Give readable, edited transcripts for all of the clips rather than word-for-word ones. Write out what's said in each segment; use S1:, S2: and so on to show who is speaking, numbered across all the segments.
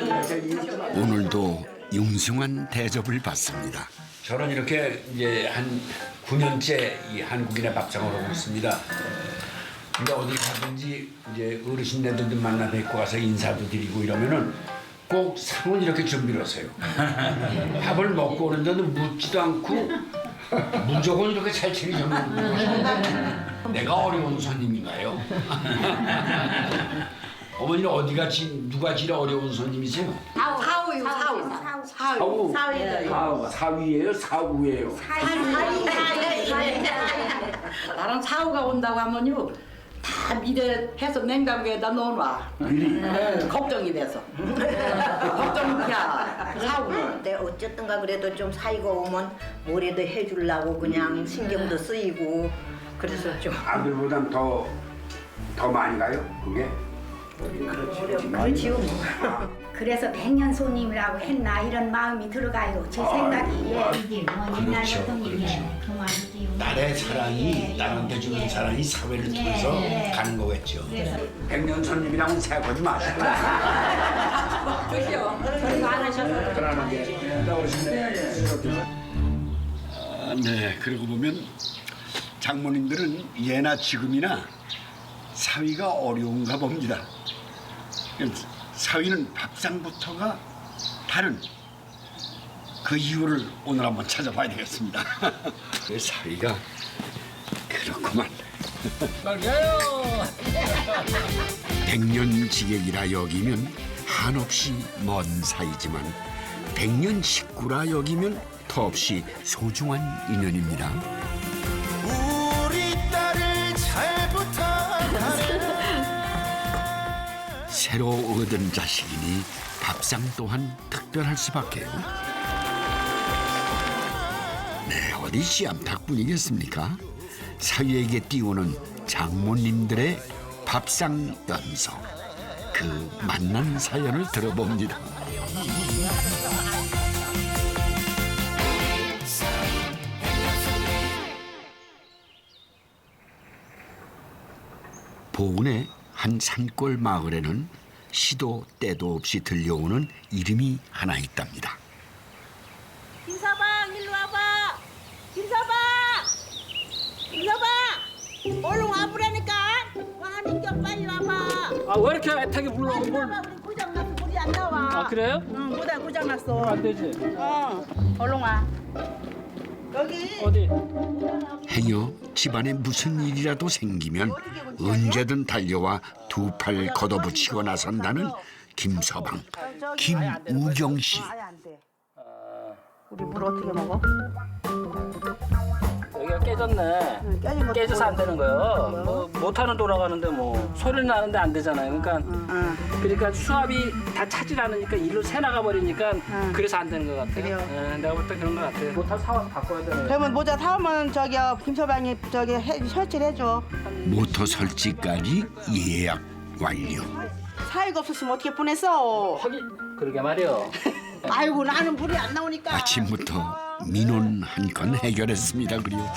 S1: 오늘도 융숭한 대접을 받습니다.
S2: 저는 이렇게 이제 한 9년째 이 한국인의 밥상을 하고 있습니다. 근데 어디 가든지 이제 어르신네들도 만나 뵙고 와서 인사도 드리고 이러면은 꼭 상은 이렇게 준비를 하세요. 밥을 먹고 오는데도 묻지도 않고 무조건 이렇게 잘 챙겨주는 내가 어려운 손님인가요? 어머니는 어디가 누가 제일 어려운 손님이세요?
S3: 사위예요.
S2: 사위예요? 사우예요?
S3: 나랑 사우가 온다고 하면요 다 미래 해서 냉장고에다 넣어놔. 걱정이 돼서. 걱정이야. 사우는.
S4: 근데 어쨌든가 그래도 좀 사이가 오면 뭐라도 해주려고 그냥 신경도 쓰이고 그래서 좀
S2: 아들보단 더 많이 가요? 그게?
S4: 그렇지요.
S5: 그래서 백년 손님이라고 했나 이런 마음이 들어가요. 제 생각이 이게 뭐 옛날
S2: 그렇죠,
S5: 같은
S2: 그렇죠.
S5: 게 그만이지요.
S2: 딸의 사랑이 딸한테 주는 사랑이 사회를 통해서 가는 거겠죠. 백년 손님이랑은 생각하지 마시고.
S3: 그죠? 그런 거 안 하셔서.
S2: 그러는 게 나오시네. 네, 그러고 보면 장모님들은 예나 지금이나 사위가 어려운가 봅니다. 사위는 밥상부터가 다른 그 이유를 오늘 한번 찾아봐야 되겠습니다. 그 사위가 그렇구만. 백년지객이라 여기면 한없이 먼 사이지만 백년 식구라 여기면 더없이 소중한 인연입니다.
S6: 우리 딸을 잘 부탁하네.
S1: 새로 얻은 자식이니 밥상 또한 특별할 수밖에요. 네, 어디 씨암탉뿐이겠습니까? 사위에게 띄우는 장모님들의 밥상 연속. 그 만난 사연을 들어봅니다. 보은의 한 산골 마을에는 시도 때도 없이 들려오는 이름이 하나 있답니다.
S7: 김서방 일로 와봐. 김서방. 김서방. 얼른 와보라니까. 와니까 빨리 와봐.
S8: 아 왜 이렇게 애타게 불러?
S7: 빨리 와봐. 우리 고장났어. 물이 안 나와.
S8: 아 그래요?
S7: 응, 모다 고장났어.
S8: 안 되지.
S7: 얼른 와. 여기.
S8: 어디?
S1: 행여 집안에 무슨 일이라도 생기면 언제든 달려와 두 팔 걷어붙이고 나선다는 김서방, 김우경 씨.
S7: 우리 물 어떻게 먹어?
S8: 여기가 깨졌네.
S7: 깨진 거.
S8: 깨져서 안 되는 거예요. 뭐 못하는 돌아가는데 뭐 소리는 나는데 안 되잖아요. 그러니까 수압이 다 차질 않으니까 일로 새 나가 버리니까 그래서 안 되는 것 같아요.
S7: 그래요?
S8: 네, 내가 볼 때 그런 것 같아요. 모터 사와서 바꿔야 되네.
S7: 그러면 모자 사오면 김서방이 설치를 해줘.
S1: 모터 설치까지 예약 완료.
S7: 사이가 없었으면 어떻게 보냈어?
S8: 하긴 그러게 말이요.
S7: 아이고 나는 물이 안 나오니까.
S1: 아침부터 민원 한 건 해결했습니다. 그리고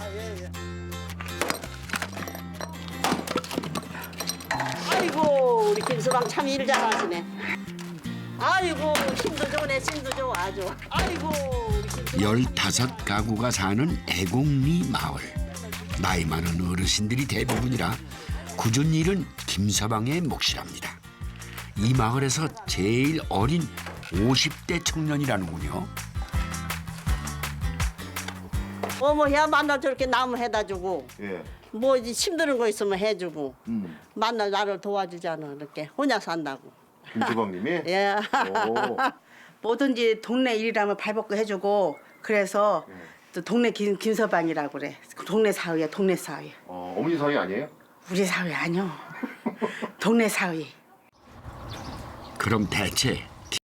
S7: 아이고 우리 김서방 참 일 잘하시네. 아이고 힘도 좋네 힘도 좋아 아주. 아이고 우리
S1: 15가구가 사는 애곡리 마을. 나이 많은 어르신들이 대부분이라 굳은 일은 김서방의 몫이랍니다. 이 마을에서 제일 어린 50대 청년이라는군요.
S9: 어머야 만날 저렇게 나무 해다 주고
S6: 예.
S9: 뭐 이제 힘드는 거 있으면 해주고 만날 나를 도와주잖아 이렇게 혼자 산다고.
S6: 김수방님이?
S9: 예.
S6: 오.
S7: 뭐든지 동네 일이라면 발벗고 해주고 그래서 또 동네 김서방이라고 그래. 동네 사위야 동네 사위.
S6: 어머니 사위 아니에요?
S7: 우리 사위 아니요. 동네 사위.
S1: 그럼 대체